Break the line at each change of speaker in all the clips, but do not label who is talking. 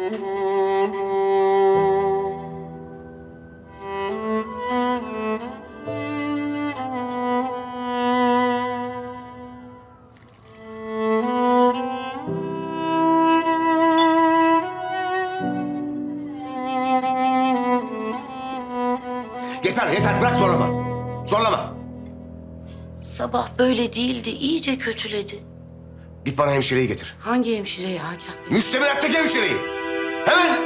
Yeter, yeter. Bırak zorlama. Zorlama.
Sabah böyle değildi, iyice kötüledi.
Git bana hemşireyi getir.
Hangi hemşireyi Agah?
Müştemilattaki hemşireyi. Hemen.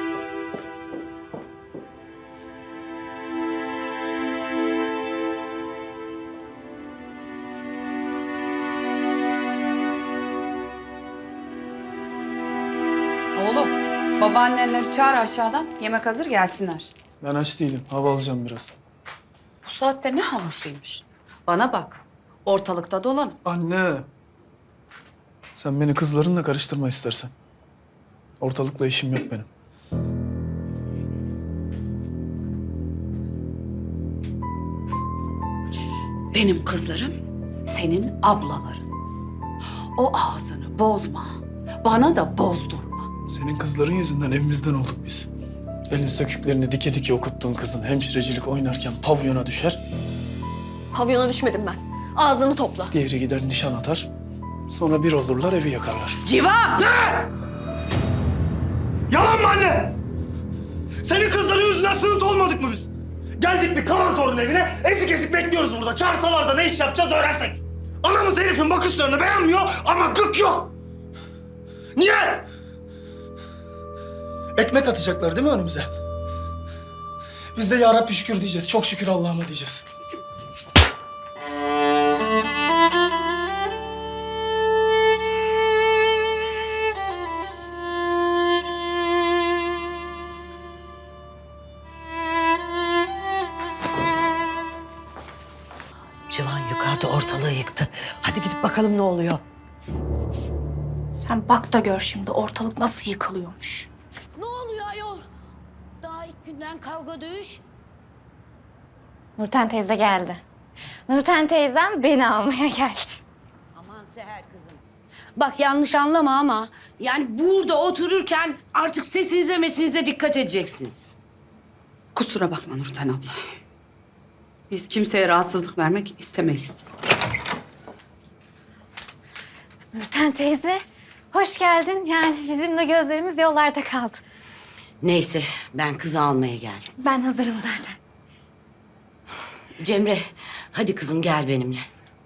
Oğlum, babaannenleri çağır aşağıdan. Yemek hazır gelsinler.
Ben aç değilim. Hava alacağım biraz.
Bu saatte ne havasıymış? Bana bak, ortalıkta dolanıp.
Anne. Sen beni kızlarınla karıştırma istersen. Ortalıkla işim yok benim.
Benim kızlarım senin ablaların. O ağzını bozma, bana da bozdurma.
Senin kızların yüzünden evimizden olduk biz. Elin söküklerini dike dike okuttuğun kızın hemşirecilik oynarken pavyona düşer.
Pavyona düşmedim ben. Ağzını topla.
Diğeri gider nişan atar. Sonra bir olurlar evi yakarlar.
Civan!
Yalan mı anne? Senin kızların yüzünden sığıntı olmadık mı biz? Geldik bir kalan torun evine, ezik ezik bekliyoruz burada. Çağırsalar da ne iş yapacağız öğrensek. Anamız herifin bakışlarını beğenmiyor ama gık yok. Niye?
Ekmek atacaklar değil mi önümüze? Biz de ya Rabbi şükür diyeceğiz. Çok şükür Allah'ıma diyeceğiz.
Civan yukarıda ortalığı yıktı. Hadi gidip bakalım ne oluyor.
Sen bak da gör şimdi ortalık nasıl yıkılıyormuş.
Ne oluyor ayol? Daha ilk günden kavga dövüş.
Nurten teyze geldi. Nurten teyzem beni almaya geldi.
Aman Seher kızım. Bak yanlış anlama ama yani burada otururken artık sesinize mesinize dikkat edeceksiniz.
Kusura bakma Nurten abla. Biz kimseye rahatsızlık vermek istemeyiz.
Nurten teyze, hoş geldin. Yani bizim de gözlerimiz yollarda kaldı.
Neyse ben kızı almaya geldim.
Ben hazırım zaten.
Cemre hadi kızım gel benimle.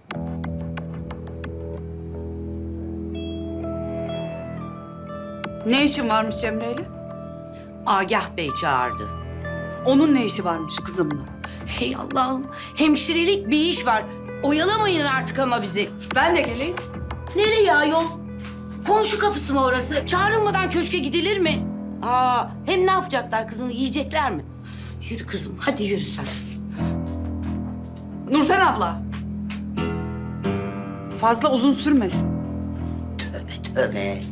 Ne işin varmış Cemre'yle?
Agah Bey çağırdı.
Onun ne işi varmış kızımla?
Hey Allah'ım hemşirelik bir iş var. Oyalamayın artık ama bizi.
Ben de geleyim.
Nereye ayol? Komşu kapısı mı orası? Çağrılmadan köşke gidilir mi? Aa, hem ne yapacaklar kızını yiyecekler mi? Yürü kızım hadi yürü sen.
Nurten abla. Fazla uzun sürmesin.
Tövbe tövbe.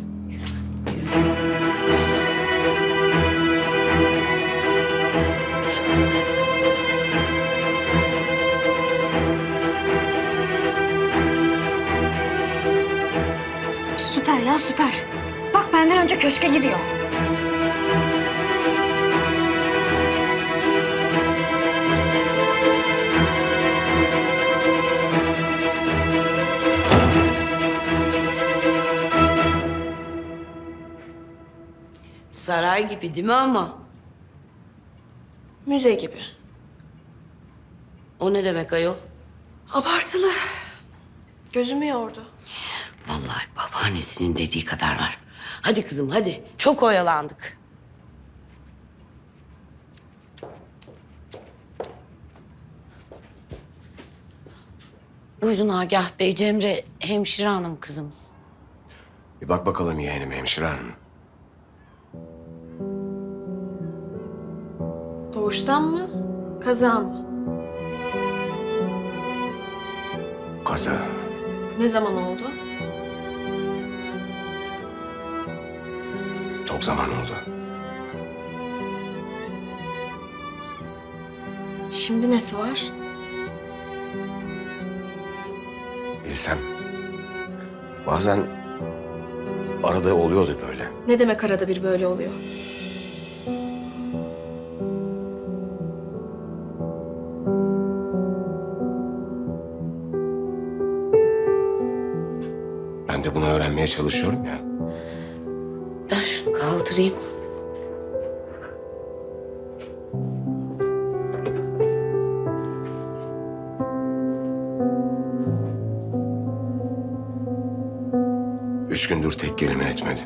Süper ya süper. Bak benden önce köşke giriyor.
Saray gibi değil mi ama?
Müze gibi.
O ne demek ayol?
Abartılı. Gözümü yordu.
Vallahi babaannesinin dediği kadar var. Hadi kızım hadi. Çok oyalandık. Buyurun Agah Bey, Cemre hemşire hanım kızımız.
Bir bak bakalım yeğenim hemşire hanım.
Doğuştan mı? Kaza mı?
Kaza.
Ne zaman oldu?
Çok zaman oldu.
Şimdi nesi var?
Bilsem. Bazen arada oluyordu böyle.
Ne demek arada bir böyle oluyor?
Ben de bunu öğrenmeye çalışıyorum ya.
Ben şunu kaldırayım.
Üç gündür tek kelime etmedi.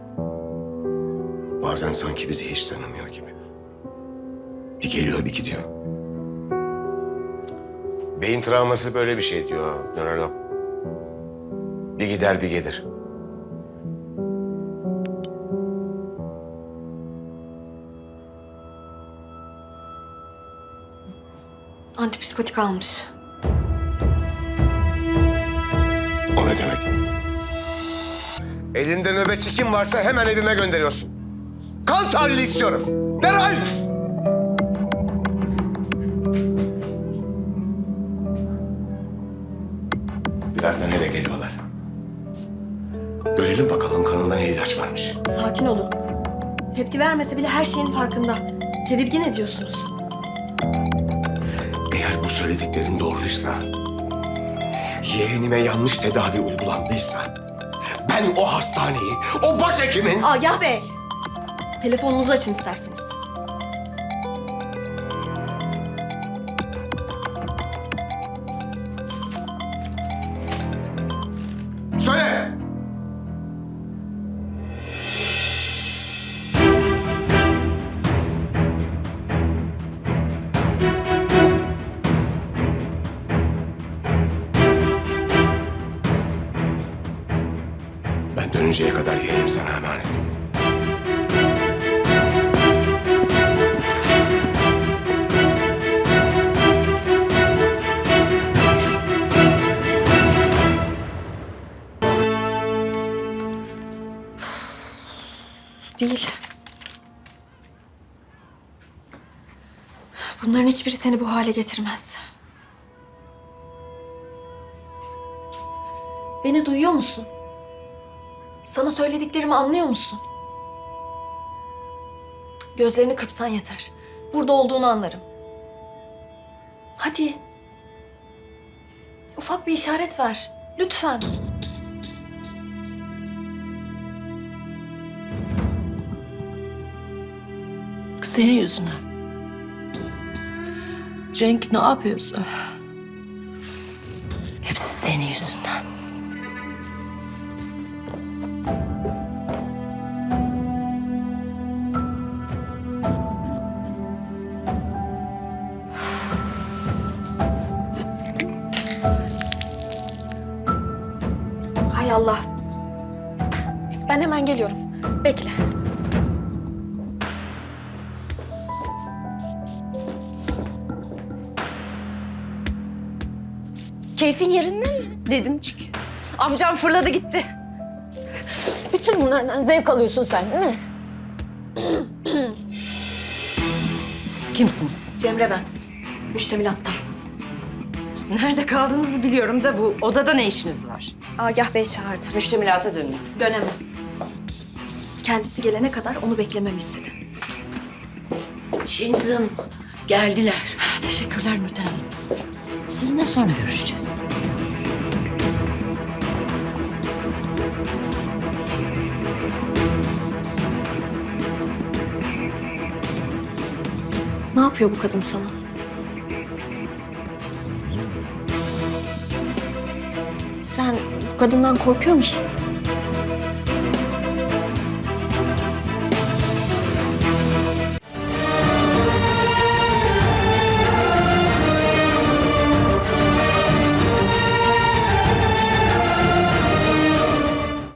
Bazen sanki bizi hiç tanımıyor gibi. Bir geliyor bir gidiyor. Beyin travması böyle bir şey diyor nörolog. Bir gider bir gelir.
Antipsikotik almış.
O ne demek? Elinde nöbetçi kim varsa hemen evime gönderiyorsun. Kan tahlili istiyorum. Derhal! Birazdan eve geliyorlar. Görelim bakalım kanında ne ilaç varmış.
Sakin olun. Tepki vermese bile her şeyin farkında. Tedirgin ediyorsunuz.
Eğer bu söylediklerin doğruysa, yeğenime yanlış tedavi uygulandıysa, ben o hastaneyi, o başhekimin...
Agah Bey, telefonunuzu açın isterseniz.
Söyle! Ben dönünceye kadar yeğenim sana emanet.
Değil. Bunların hiçbiri seni bu hale getirmez. Beni duyuyor musun? Sana söylediklerimi anlıyor musun? Gözlerini kırpsan yeter. Burada olduğunu anlarım. Hadi. Ufak bir işaret ver. Lütfen.
Senin yüzünden. Cenk ne yapıyorsa hepsi senin yüzünden.
Hay Allah. Ben hemen geliyorum. Bekle.
Keyfin yerinde mi Nedimcik? Amcam fırladı gitti. Bütün bunlardan zevk alıyorsun sen değil mi?
Siz kimsiniz?
Cemre ben. Müştemilattan.
Nerede kaldığınızı biliyorum da bu odada ne işiniz var?
Agah Bey çağırdı.
Müştemilata dönün.
Dönemem. Kendisi gelene kadar onu beklememi istedi.
Şeniz Hanım geldiler.
Teşekkürler Nurten Hanım. Sizinle sonra görüşeceğiz.
Ne yapıyor bu kadın sana? Sen bu kadından korkuyor musun?